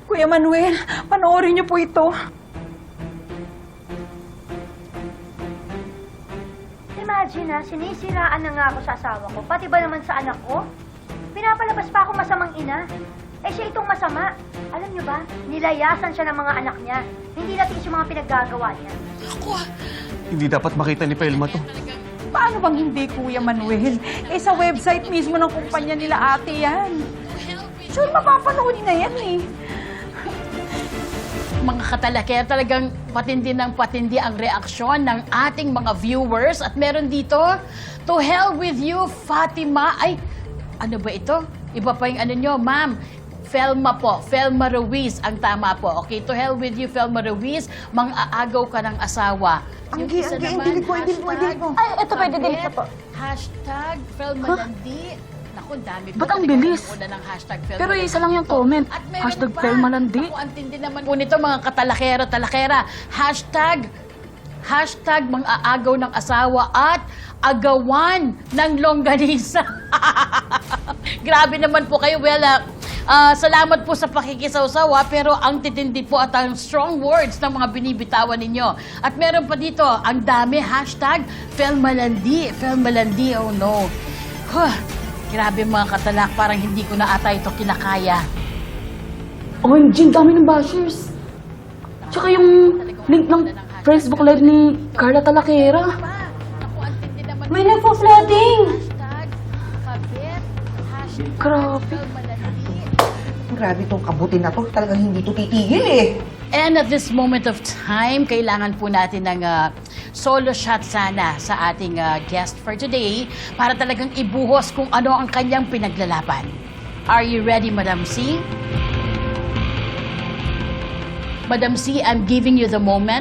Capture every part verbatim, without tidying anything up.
Kuya Manuel, panoorin niyo po ito. Imagine ha, sinisiraan na nga ako sa asawa ko, pati ba naman sa anak ko? Pinapalabas pa ako masamang ina. Eh siya itong masama. Alam niyo ba, nilayasan siya ng mga anak niya. Hindi natin yung mga pinaggagawa niya. Ako, hindi dapat makita ni Pelma to. Paano bang hindi, Kuya Manuel? Eh, sa website mismo ng kumpanya nila ate yan. Sure, mapapanood na yan eh. Mga katalakaya, talagang patindi ng patindi ang reaksyon ng ating mga viewers. At meron dito, to hell with you, Fatima. Ay, ano ba ito? Iba pa yung ano nyo, ma'am. Felma po, Felma Ruiz ang tama po. Okay, to hell with you, Felma Ruiz. Mang-aagaw ka ng asawa. Ang Yung gi- isa ang gi- naman, delete mo, delete mo, delete mo. Ay, ito pwede delete na po. Hashtag Felma Landi. Naku, dami po Ba't ang talaga bilis? nanguna ng hashtag Felma Pero Landi isa lang yung po. comment. At meron Hashtag pa. Felma Landi. Naku, ang tindi naman po nito, mga katalakero, talakera. Hashtag, hashtag mang-aagaw ng asawa at agawan ng longganisa. Grabe naman po kayo. Well, ah, ah, salamat po sa pakikisawsawa, pero ang titindi po at ang strong words ng mga binibitawan ninyo. At meron pa dito, ang dami, hashtag Felmalandi. Felmalandi, oh no. Huh, grabe mga katalak, parang hindi ko na ata ito kinakaya. O M G, ang dami ng bashers. Tsaka yung link ng Facebook Live ni Carla Talakera. Naku, ang tindi naman. May nagpo-flooding! Hashtag kabit. Hashtag Grabe. Felmalandi. Grabe tong kabuti na to. Talagang hindi to titigil eh. And at this moment of time, kailangan po natin ng ah, solo shot sana sa ating ah, guest for today para talagang ibuhos kung ano ang kanyang pinaglalaban. Are you ready, Madam C? Madam C, I'm giving you the moment.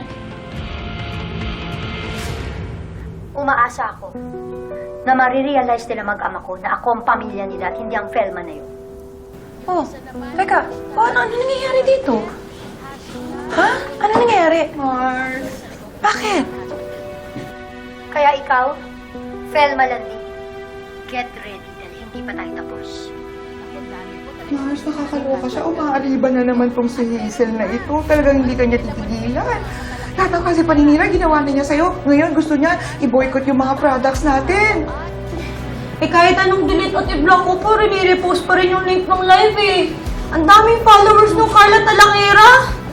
Umaasa ako na marirealize nila mag-ama ko na ako ang pamilya nila at hindi ang Felma na yun. Oh, teka. Oh, ano, ano nangyayari dito? Ha? Ano nangyayari? Mars. Bakit? Kaya ikaw, Felma Landi, get ready dahil hindi pa tayo tapos. Mars, nakakaloka siya. Umaaliban na naman tong si Hazel na ito. Talagang hindi kanya titigilan. Lahat ng kasi paninira, ginawa na niya sa'yo. Ngayon, gusto niya i-boycott yung mga products natin. Eh kahit anong delete at i-block ko po, rini-repost pa rin yung link ng live eh. Ang daming followers ng Carla Talakera.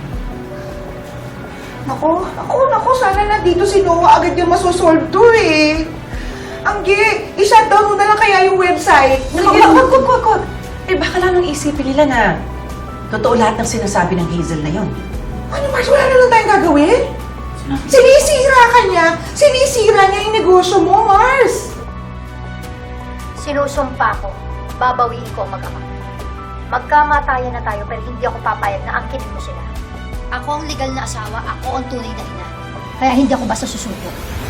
Nako, nako, nako, sana nandito si Noah agad yung masosolve to eh. Anggi, i-shutdown mo na lang kaya yung website. Wag, wag, wag, wag, wag. Eh baka lang nang isipin nila na totoo lahat ng sinasabi ng Hazel na yon. Ano, Mars? Wala na lang tayong gagawin? Sinisira ka niya. Sinisira niya yung negosyo mo, Mars. Sinusumpa ko, babawiin ko ang mag-ama. Magkamatayan na tayo pero hindi ako papayag na angkinin mo sila. Ako ang legal na asawa, ako ang tunay na ina. Kaya hindi ako basta susuko.